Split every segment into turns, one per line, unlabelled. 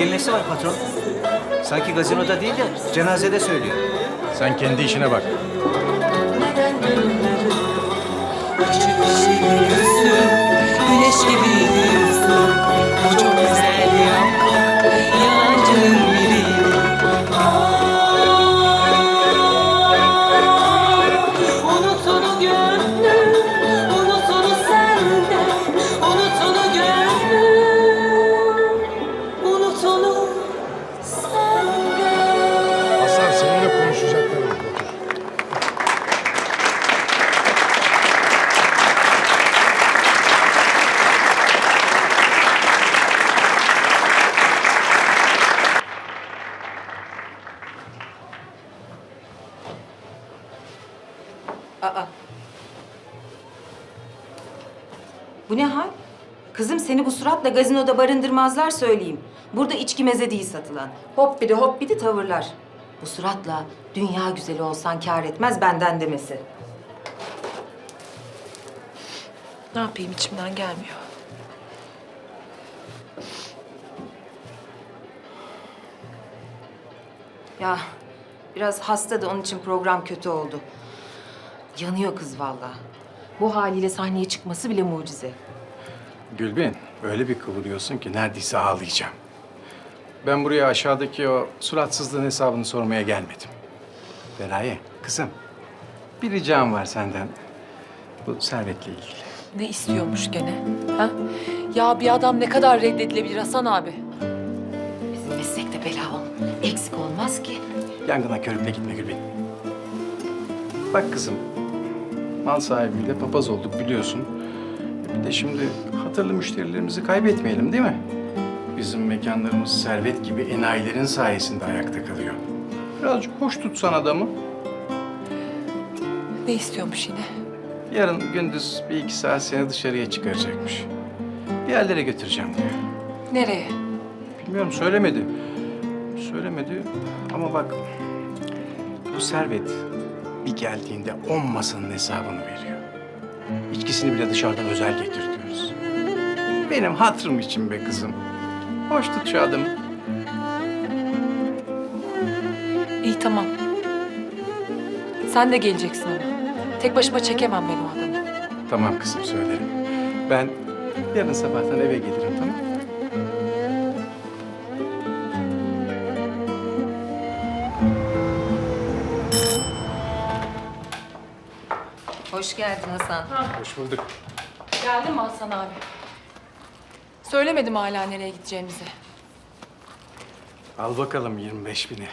ilgili nesi var patron? Sanki gazinoda değil de cenazede söylüyor.
Sen kendi işine bak.
Güneş gibiydi yüzün, o çok güzeldi ama yalancının biriydi. Unut onu gönlüm, unut onu senden, unut onu gönlüm, unut onu senden.
Hasan seninle konuşacaklarım var. Otur.
Aa. Bu ne hal? Kızım seni bu suratla gazinoda barındırmazlar söyleyeyim. Burada içki meze değil satılan. Hop bir de tavırlar. Bu suratla dünya güzeli olsan kâr etmez benden demesi.
Ne yapayım, içimden gelmiyor.
Ya biraz hasta da onun için program kötü oldu. Yanıyor kız vallahi. Bu haliyle sahneye çıkması bile mucize.
Gülbin, öyle bir kıvırıyorsun ki neredeyse ağlayacağım. Ben buraya aşağıdaki o suratsızlığın hesabını sormaya gelmedim. Feraye, kızım. Bir ricam var senden. Bu servetle ilgili.
Ne istiyormuş gene? Ha? Ya bir adam ne kadar reddedilebilir Hasan abi?
Bizim meslekte bela eksik olmaz ki.
Yangına körükle gitme Gülbin. Bak kızım, mal sahibiyle papaz olduk biliyorsun. Bir de şimdi hatırlı müşterilerimizi kaybetmeyelim değil mi? Bizim mekanlarımız servet gibi enayilerin sayesinde ayakta kalıyor. Birazcık hoş tutsan adamı.
Ne istiyormuş yine?
Yarın gündüz bir iki saat seni dışarıya çıkaracakmış. Bir yerlere götüreceğim diyor.
Nereye?
Bilmiyorum, söylemedi. Söylemedi ama bak, bu servet bir geldiğinde 10 masanın hesabını veriyor. İçkisini bile dışarıdan özel getirtiyoruz. Benim hatırım için be kızım. Hoş tut şu adamı.
İyi tamam. Sen de geleceksin ama. Tek başıma çekemem ben o adamı.
Tamam kızım, söylerim. Ben yarın sabahtan eve gelirim, tamam mı?
Hoş geldin Hasan.
Hoş bulduk.
Geldin mi Hasan abi? Söylemedim hala nereye gideceğimizi.
Al bakalım 25.000'i.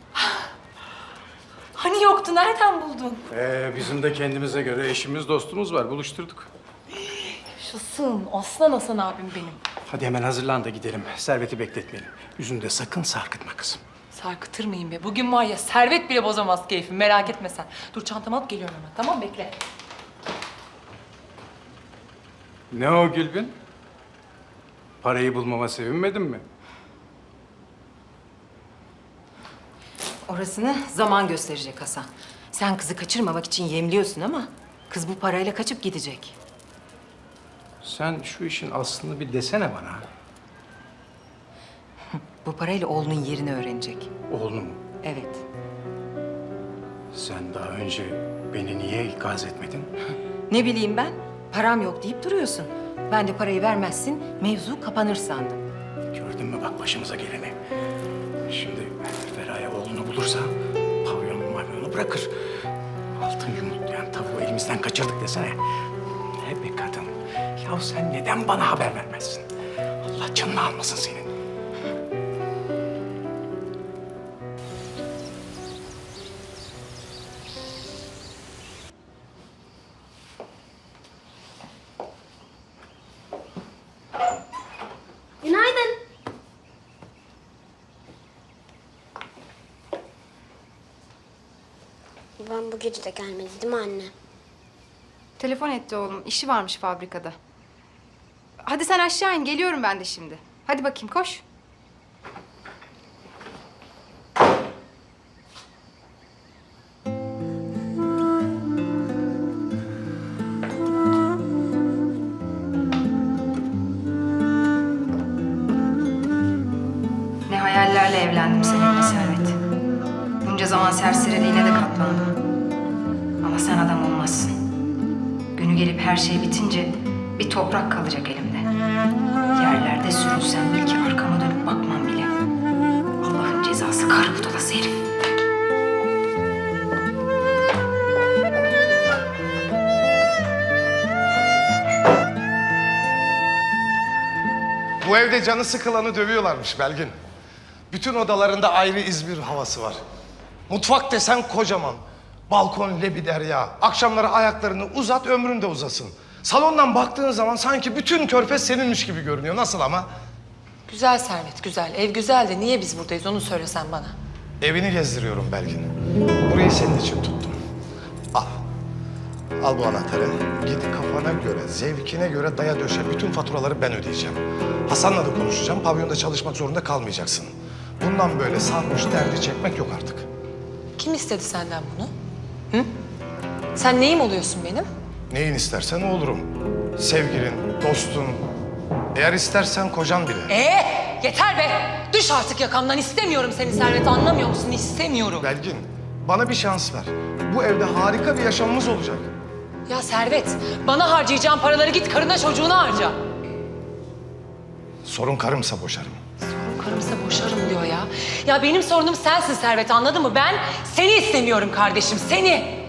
Hani yoktu, nereden buldun?
Bizim de kendimize göre eşimiz, dostumuz var. Buluşturduk.
Yaşasın, aslan Hasan abim benim.
Hadi hemen hazırlan da gidelim. Serveti bekletmeyelim. Yüzünde sakın sarkıtma kızım.
Sarkıtır mıyım be? Bugün var ya, servet bile bozamaz keyfim, merak etme sen. Dur çantamı alıp geliyorum hemen, tamam bekle.
Ne o Gülbin? Parayı bulmama sevinmedin mi?
Orasını zaman gösterecek Hasan. Sen kızı kaçırmamak için yemliyorsun ama kız bu parayla kaçıp gidecek.
Sen şu işin aslını bir desene bana.
Bu parayla oğlunun yerini öğrenecek.
Oğlunu mu?
Evet.
Sen daha önce beni niye ikaz etmedin?
Ne bileyim ben? Param yok deyip duruyorsun. Ben de parayı vermezsin, mevzu kapanır sandım.
Gördün mü bak başımıza geleni. Şimdi Feraye oğlunu bulursa pavyonu bırakır. Altın yumurtlayan tavuğu elimizden kaçırdık desene. Ne be kadın. Ya sen neden bana haber vermezsin? Allah canını almasın senin.
Günaydın. Ben bu gece de gelmedi değil mi anne?
Telefon etti oğlum. İşi varmış fabrikada. Hadi sen aşağı in. Geliyorum ben de şimdi. Hadi bakayım koş. zaman serseriliğine de katlandım. Ama sen adam olmazsın. Günü gelip her şey bitince bir toprak kalacak elimde. Yerlerde sürünsem belki arkama dönüp bakmam bile. Allah'ın cezası karı budalası herif.
Bu evde canı sıkılanı dövüyorlarmış Belgin. Bütün odalarında ayrı İzmir havası var. Mutfak desen kocaman. Balkon lebiderya. Akşamları ayaklarını uzat, ömrün de uzasın. Salondan baktığın zaman sanki bütün körfez seninmiş gibi görünüyor. Nasıl ama?
Güzel Servet, güzel. Ev güzel de niye biz buradayız onu söylesen bana.
Evini gezdiriyorum Belgin. Burayı senin için tuttum. Al. Al bu anahtarı. Git kafana göre, zevkine göre daya döşe. Bütün faturaları ben ödeyeceğim. Hasan'la da konuşacağım. Pavyonda çalışmak zorunda kalmayacaksın. Bundan böyle sarhoş derdi çekmek yok artık.
Kim istedi senden bunu? Hı? Sen neyim oluyorsun benim?
Neyin istersen o olurum. Sevgilin, dostun. Eğer istersen kocan bile.
Yeter be! Düş artık yakamdan. İstemiyorum seni Servet. Anlamıyor musun? İstemiyorum.
Belgin, bana bir şans ver. Bu evde harika bir yaşamımız olacak.
Ya Servet, bana harcayacağın paraları git karına çocuğuna harca.
Sorun karımsa boşarım.
Karımsa boşarım diyor ya. Ya benim sorunum sensin Servet, anladın mı? Ben seni istemiyorum kardeşim, seni.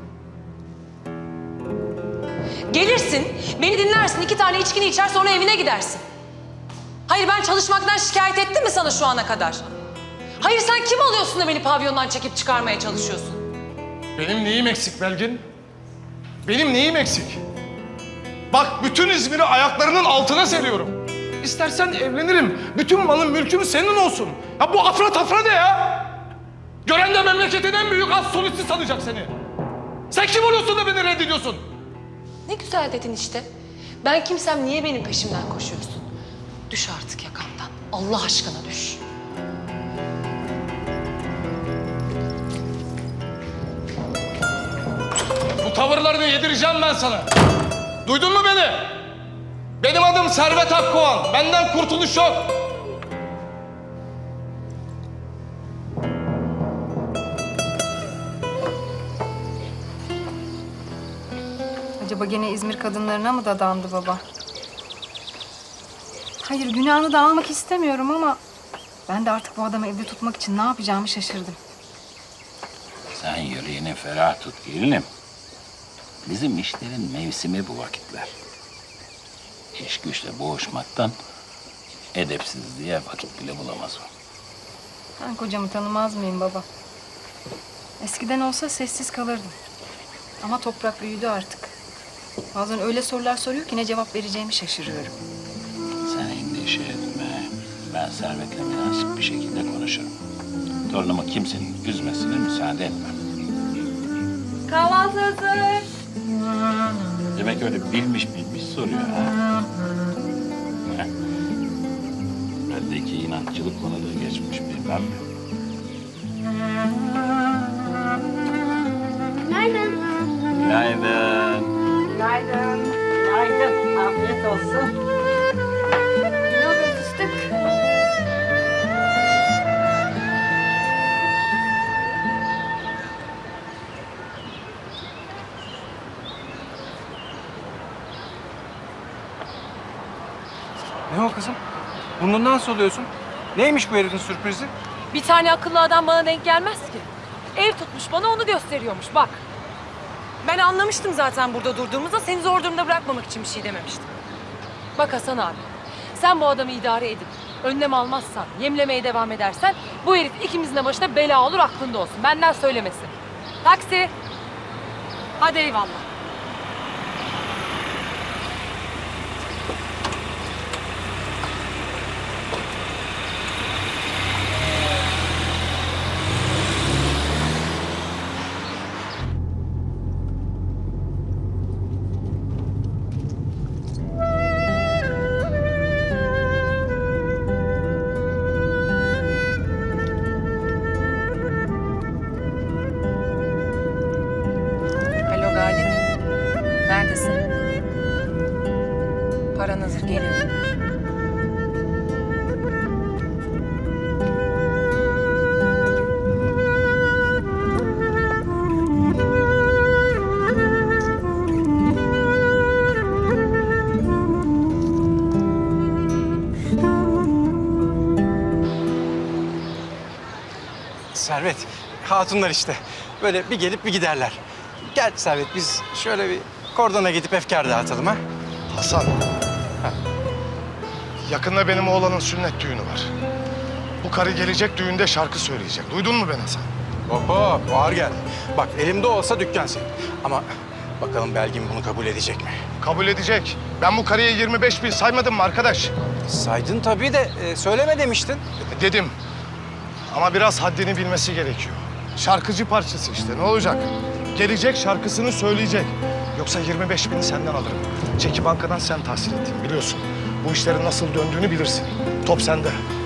Gelirsin, beni dinlersin, 2 tane içkini içer sonra evine gidersin. Hayır, ben çalışmaktan şikayet ettim mi sana şu ana kadar? Hayır, sen kim oluyorsun da beni pavyondan çekip çıkarmaya çalışıyorsun?
Benim neyim eksik Belgin? Benim neyim eksik? Bak bütün İzmir'i ayaklarının altına seriyorum. İstersen evlenirim. Bütün malım mülküm senin olsun. Ya bu afra tafra ne ya? Gören de memleketin en büyük az solisti sanacak seni. Sen kim oluyorsun da beni reddediyorsun?
Ne güzel dedin işte. Ben kimsem niye benim peşimden koşuyorsun? Düş artık yakamdan. Allah aşkına düş.
Bu tavırlarını yedireceğim ben sana. Duydun mu beni? Benim adım Servet Akkoğan. Benden kurtuluş yok.
Acaba gene İzmir kadınlarına mı dadandı baba? Hayır, günahını da almak istemiyorum ama... ben de artık bu adamı evde tutmak için ne yapacağımı şaşırdım.
Sen yüreğini ferah tut gelinim. Bizim işlerin mevsimi bu vakitler. İş güçle boğuşmaktan edepsizliğe vakit bile bulamaz o.
Ben kocamı tanımaz mıyım baba? Eskiden olsa sessiz kalırdım. Ama toprak büyüdü artık. Bazen öyle sorular soruyor ki ne cevap vereceğimi şaşırıyorum.
Sen endişe etme. Ben Servet'le münasip bir şekilde konuşurum. Torunumu kimsenin üzmesine müsaade etmem.
Kahvaltı hazır.
Demek öyle bilmiş soruyor ha. Heh. Bendeki inatçılık konuda geçmiş bilmem mi?
Günaydın.
Günaydın.
Günaydın. Günaydın. Afiyet olsun.
Ne oluyor fıstık?
Ne o kızım? Burnundan soluyorsun. Neymiş bu herifin sürprizi?
Bir tane akıllı adam bana denk gelmez ki. Ev tutmuş bana onu gösteriyormuş bak. Ben anlamıştım zaten burada durduğumuzda seni zor durumda bırakmamak için bir şey dememiştim. Bak Hasan abi, sen bu adamı idare edip önlem almazsan, yemlemeye devam edersen bu herif ikimizin de başına bela olur aklında olsun. Benden söylemesin. Taksi. Hadi eyvallah. Alo Galip. Neredesin? Paran hazır geliyorum.
Servet, hatunlar işte. Böyle bir gelip bir giderler. Gel Servet, biz şöyle bir kordona gidip efkar dağıtalım ha.
Hasan. Yakında benim oğlanın sünnet düğünü var. Bu karı gelecek düğünde şarkı söyleyecek. Duydun mu beni Hasan?
Hop hop, ağır gel. Bak elimde olsa dükkan senin. Ama bakalım Belgin bunu kabul edecek mi?
Kabul edecek. Ben bu karıya 25 bin saymadım mı arkadaş?
Saydın tabii de söyleme demiştin.
Dedim. Ama biraz haddini bilmesi gerekiyor. Şarkıcı parçası işte, ne olacak? Gelecek, şarkısını söyleyecek. Yoksa 25 bini senden alırım. Çeki bankadan sen tahsil ettin, biliyorsun. Bu işlerin nasıl döndüğünü bilirsin. Top sende.